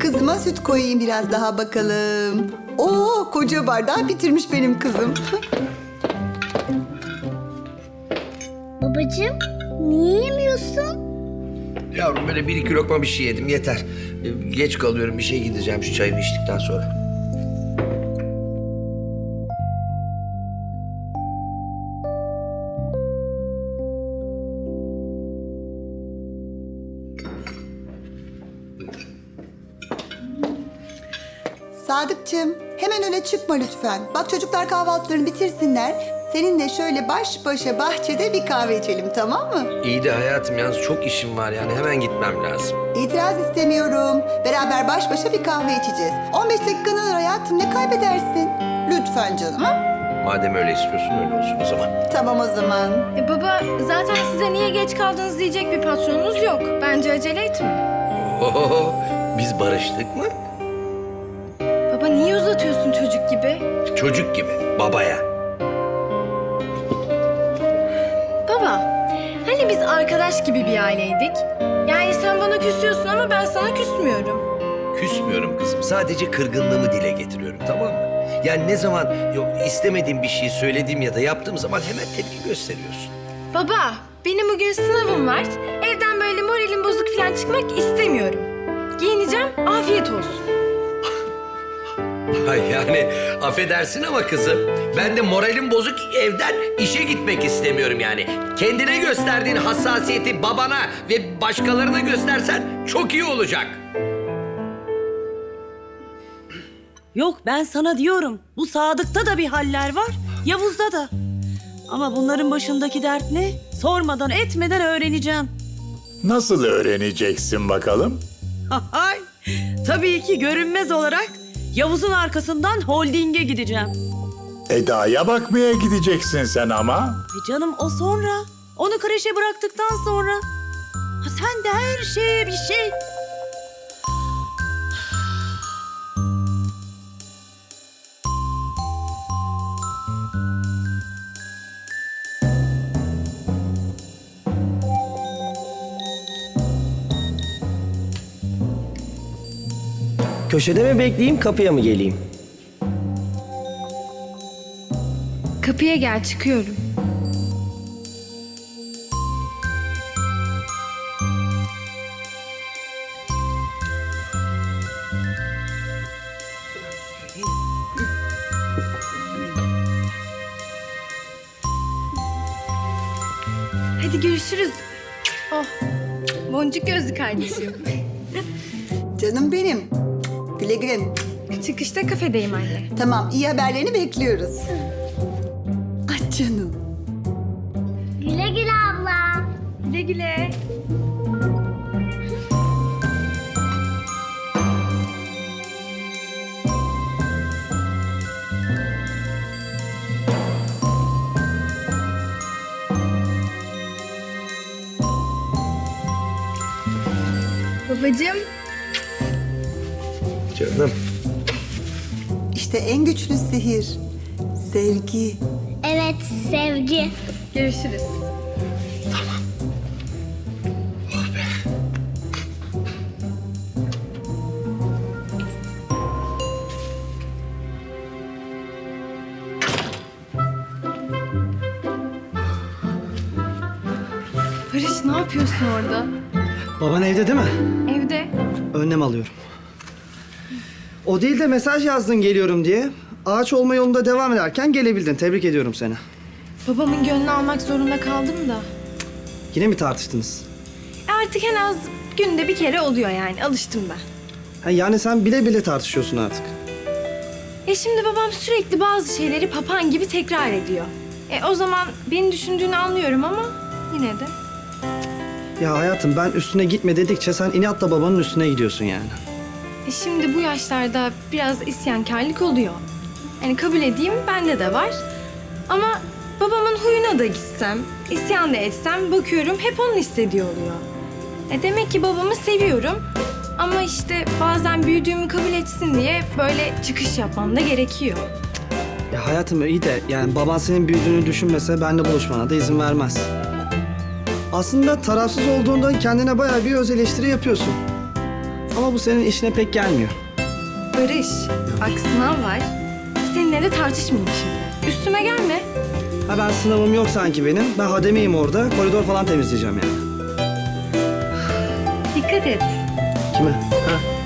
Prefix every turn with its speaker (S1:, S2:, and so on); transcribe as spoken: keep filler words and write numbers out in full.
S1: kızıma süt koyayım biraz daha bakalım. Oo, koca bardağı bitirmiş benim kızım.
S2: Babacığım, niye yemiyorsun?
S3: Yavrum böyle bir iki lokma bir şey yedim yeter. Ee, Geç kalıyorum, bir şey gideceğim şu çayımı içtikten sonra.
S1: Sadıkçım, hemen öyle çıkma lütfen. Bak çocuklar kahvaltılarını bitirsinler. Seninle şöyle baş başa bahçede bir kahve içelim, tamam mı?
S3: İyi de hayatım yalnız çok işim var yani hemen gitmem lazım.
S1: İtiraz istemiyorum. Beraber baş başa bir kahve içeceğiz. on beş dakikanı alır hayatım, ne kaybedersin? Lütfen canım, ha?
S3: Madem öyle istiyorsun öyle olsun o zaman.
S1: Tamam o zaman.
S4: E baba, zaten size niye geç kaldınız diyecek bir patronunuz yok. Bence acele etme.
S3: Oho, biz barıştık mı?
S4: Baba niye uzatıyorsun çocuk gibi?
S3: Çocuk gibi babaya.
S4: Baba, hani biz arkadaş gibi bir aileydik? Yani sen bana küsüyorsun ama ben sana küsmüyorum.
S3: Küsmüyorum kızım. Sadece kırgınlığımı dile getiriyorum, tamam mı? Yani ne zaman yok, istemediğim bir şeyi söylediğim ya da yaptığım zaman hemen tepki gösteriyorsun.
S4: Baba, benim bugün sınavım var. Evden böyle moralim bozuk falan çıkmak istemiyorum. Giyineceğim, afiyet olsun.
S3: Ay yani affedersin ama kızım, ben de moralim bozuk evden işe gitmek istemiyorum yani. Kendine gösterdiğin hassasiyeti babana ve başkalarına göstersen çok iyi olacak.
S5: Yok ben sana diyorum. Bu Sadık'ta da bir haller var. Yavuz'da da. Ama bunların başındaki dert ne? Sormadan etmeden öğreneceğim.
S6: Nasıl öğreneceksin bakalım?
S5: Hay, tabii ki görünmez olarak Yavuz'un arkasından holdinge gideceğim.
S6: Eda'ya bakmaya gideceksin sen ama.
S5: Ve canım o sonra. Onu kreşe bıraktıktan sonra. Ha, sen de her şeye bir şey.
S7: Köşede mi bekleyeyim, kapıya mı geleyim?
S4: Kapıya gel, çıkıyorum. Hadi görüşürüz. Oh, boncuk gözlü kardeşim.
S1: Canım benim. Güle güle.
S4: Çıkışta kafedeyim anne.
S1: Tamam, iyi haberlerini bekliyoruz. Ay canım.
S2: Güle güle abla.
S4: Güle güle. Babacığım.
S3: Canım.
S1: İşte en güçlü sihir. Sevgi.
S2: Evet, sevgi.
S4: Görüşürüz. Barış ne yapıyorsun orada?
S7: Baban evde değil mi?
S4: Evde.
S7: Önlem alıyorum. O değil de mesaj yazdın geliyorum diye. Ağaç olma yolunda devam ederken gelebildin. Tebrik ediyorum seni.
S4: Babamın gönlünü almak zorunda kaldım da.
S7: Yine mi tartıştınız?
S4: E Artık en az günde bir kere oluyor yani. Alıştım ben.
S7: Ha, yani sen bile bile tartışıyorsun artık.
S4: E şimdi babam sürekli bazı şeyleri papağan gibi tekrar ediyor. E o zaman beni düşündüğünü anlıyorum ama yine de.
S7: Ya hayatım ben üstüne gitme dedikçe sen inatla babanın üstüne gidiyorsun yani.
S4: E şimdi bu yaşlarda biraz isyankarlık oluyor. Yani kabul edeyim bende de var. Ama babamın huyuna da gitsem, isyan da etsem bakıyorum hep onun istediği oluyor. E demek ki babamı seviyorum. Ama işte bazen büyüdüğümü kabul etsin diye böyle çıkış yapmam da gerekiyor.
S7: Ya hayatım iyi de yani baban senin büyüdüğünü düşünmese benimle buluşmana da izin vermez. Aslında tarafsız olduğunda kendine bayağı bir öz eleştiri yapıyorsun. Ama bu senin işine pek gelmiyor.
S4: Barış, bak sınav var. Seninle de tartışmayayım şimdi. Üstüme gelme.
S7: Ha ben sınavım yok sanki benim. Ben hademeyim orada. Koridor falan temizleyeceğim yani.
S4: Dikkat et.
S7: Kime? Ha?